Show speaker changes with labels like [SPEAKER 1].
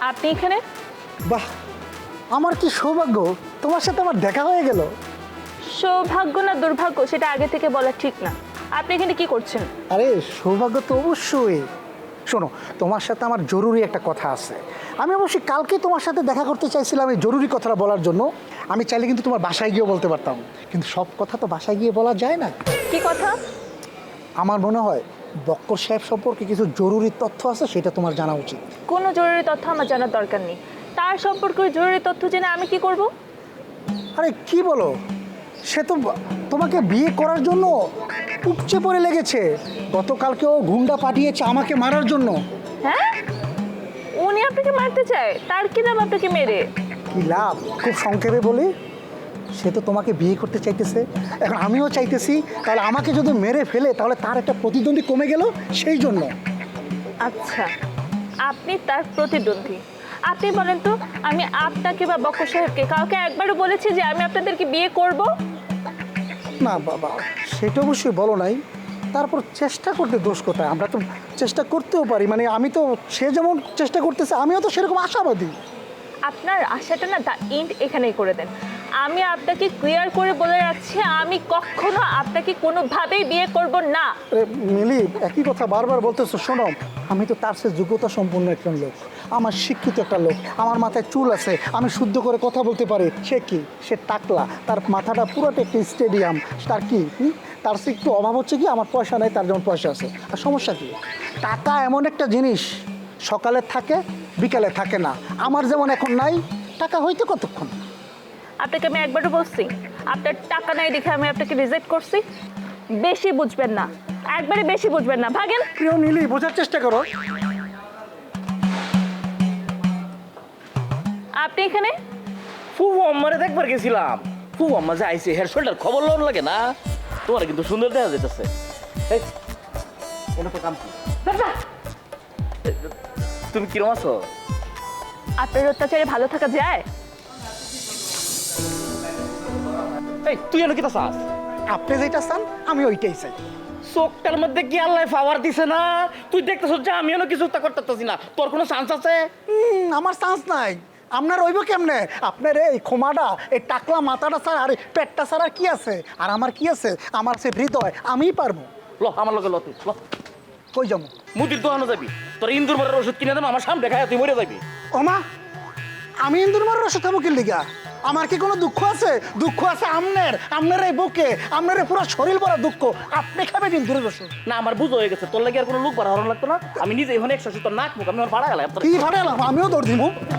[SPEAKER 1] আপনি এখানে?
[SPEAKER 2] বাহ, আমার কি সৌভাগ্য, তোমার সাথে আমার দেখা হয়ে গেল।
[SPEAKER 1] সৌভাগ্য না দুর্ভাগ্য সেটা আগে থেকে বলা ঠিক না। আপনি এখানে কি করছেন?
[SPEAKER 2] আরে সৌভাগ্য তো অবশ্যই। শোনো, তোমার সাথে আমার জরুরি একটা কথা আছে। আমি অবশ্যই কালকে তোমার সাথে দেখা করতে চাইছিলাম এই জরুরি কথাটা বলার জন্য। আমি চাইলে কিন্তু তোমার বাসায় গিয়েও বলতে পারতাম, কিন্তু সব কথা তো বাসায় গিয়ে বলা যায় না।
[SPEAKER 1] কি কথা?
[SPEAKER 2] আমার মনে হয় বক্কর সাহেব সম্পর্কে কিছু জরুরি তথ্য আছে, সেটা তোমার জানা উচিত।
[SPEAKER 1] কোনো জরুরি তথ্য আমার জানার দরকার নেই। তার সম্পর্কে জরুরি তথ্য জেনে আমি কি করব?
[SPEAKER 2] আরে কি বলো, সে তো তোমাকে বিয়ে করার জন্য উপচে পড়ে লেগেছে। গতকালকে ও গুন্ডা পাঠিয়েছে আমাকে মারার জন্য।
[SPEAKER 1] হ্যাঁ, উনি আপনাকে মারতে চায়? তার কি নাম আপনাকে মেরে?
[SPEAKER 2] কি লাভ? খুব সংক্ষেপে বলি, সে তো তোমাকে বিয়ে করতে চাইতেছে, এখন আমিও চাইতেছি। তাহলে আমাকে যদি মেরে ফেলে তাহলে তার একটা প্রতিদ্বন্দ্বী কমে গেল, সেই জন্য।
[SPEAKER 1] আচ্ছা, আপনি তার প্রতিদ্বন্দ্বী। আপনি বলেন তো, আমি আপনাকে বা বক্কর সাহেবকে কাউকে একবারও বলেছি যে আমি আপনাদেরকে বিয়ে করব?
[SPEAKER 2] না বাবা, সেটা অবশ্যই বলো নাই। তারপর চেষ্টা করতে দোষ কোথায়? আমরা তো চেষ্টা করতেও পারি, মানে আমি তো, সে যেমন চেষ্টা করতেছে আমিও তো সেরকম আশাবাদী।
[SPEAKER 1] আপনার আশাটা না দা এন্ড এখানেই করে দেন। আমি আপনাকে ক্লিয়ার করে বলে রাখছি, আমি কখনো আপনাকে কোনোভাবেই বিয়ে করব না।
[SPEAKER 2] আরে মিলি, একই কথা বারবার বলতেছো। শোনো, আমি তো তার সে যোগ্যতা সম্পন্ন একজন লোক, আমার শিক্ষিত একটা লোক, আমার মাথায় চুল আছে, আমি শুদ্ধ করে কথা বলতে পারি। সে কি? সে টাকলা, তার মাথাটা পুরোটা একটা স্টেডিয়াম। তার কি তার সে একটু অভাব হচ্ছে কি, আমার পয়সা নেই, তার যেমন পয়সা আছে। আর সমস্যা কি? টাকা এমন একটা জিনিস, সকালে থাকে বিকালে থাকে না। আমার যেমন এখন নাই, টাকা হইতে কতক্ষণ?
[SPEAKER 1] আপনাকে আমি একবারও বলছি আপনার টাকা নাই দেখে আমি আপনাকে রিজেক্ট করছি? বেশি বুঝবেন না, একবারে বেশি বুঝবেন না, ভাগেন।
[SPEAKER 2] প্রিয় নীলি, বোঝার চেষ্টা করো।
[SPEAKER 1] আপনি এখানে?
[SPEAKER 3] ফুফু আম্মারে দেখবার গেছিলাম। ফুফু আম্মা যে আইসে হেয়ার শোল্ডার খবর লোন লাগে না, তোমার কিন্তু সুন্দর দেখা যেতেছে। এই, এটা তো কাম কি? তুমি কিরম আছো?
[SPEAKER 1] আপনার অত্যাচারে ভালো থাকা যায়?
[SPEAKER 3] এই তুই এনে কিতা চাস?
[SPEAKER 2] আপনি যেটা চান আমি ওইটাই চাই।
[SPEAKER 3] চোখটার মধ্যে কি আল্লাহ পাওয়ার দিছে না? তুই দেখতেছ যে আমি এনে কিছু করতেছি না, তোর কোনো চান্স আছে?
[SPEAKER 2] আমার চান্স নাই। আপনার রইব কেমনে? আপনার এই খোমাটা, এই টাকলা মাথাটা ছাড়া আর এই পেটটা ছাড়া কি আছে? আর আমার কি আছে? আমার সে হৃদয়, আমিই পারবো।
[SPEAKER 3] ল আমার লগে ল তুই ল।
[SPEAKER 2] কই যাবো?
[SPEAKER 3] মুদির দোকানে যাবি, তোর ইন্দুর মারের ওষুধ কিনে দেবো, আমার সামনে খায় তুই মরে যাবি।
[SPEAKER 2] ওমা, আমি ইন্দুর মারের ওষুধ খাবো কি লিগা? আমার কি কোনো দুঃখ আছে? দুঃখ আছে আপনার এই বুকে, আপনার এই পুরো শরীর ভরা দুঃখ। আপনি খাবেন ইন্দুরের ওষুধ?
[SPEAKER 3] না আমার বুঝ হয়ে গেছে, তোর লাগে আর কোনো লোক বাড়ানো লাগতো না। আমি নিজে এখানে 170 নাক মুখ আমি আমার ভাড়া গেলাম।
[SPEAKER 2] কি ভাড়ালাম? আমিও দৌড় দিব।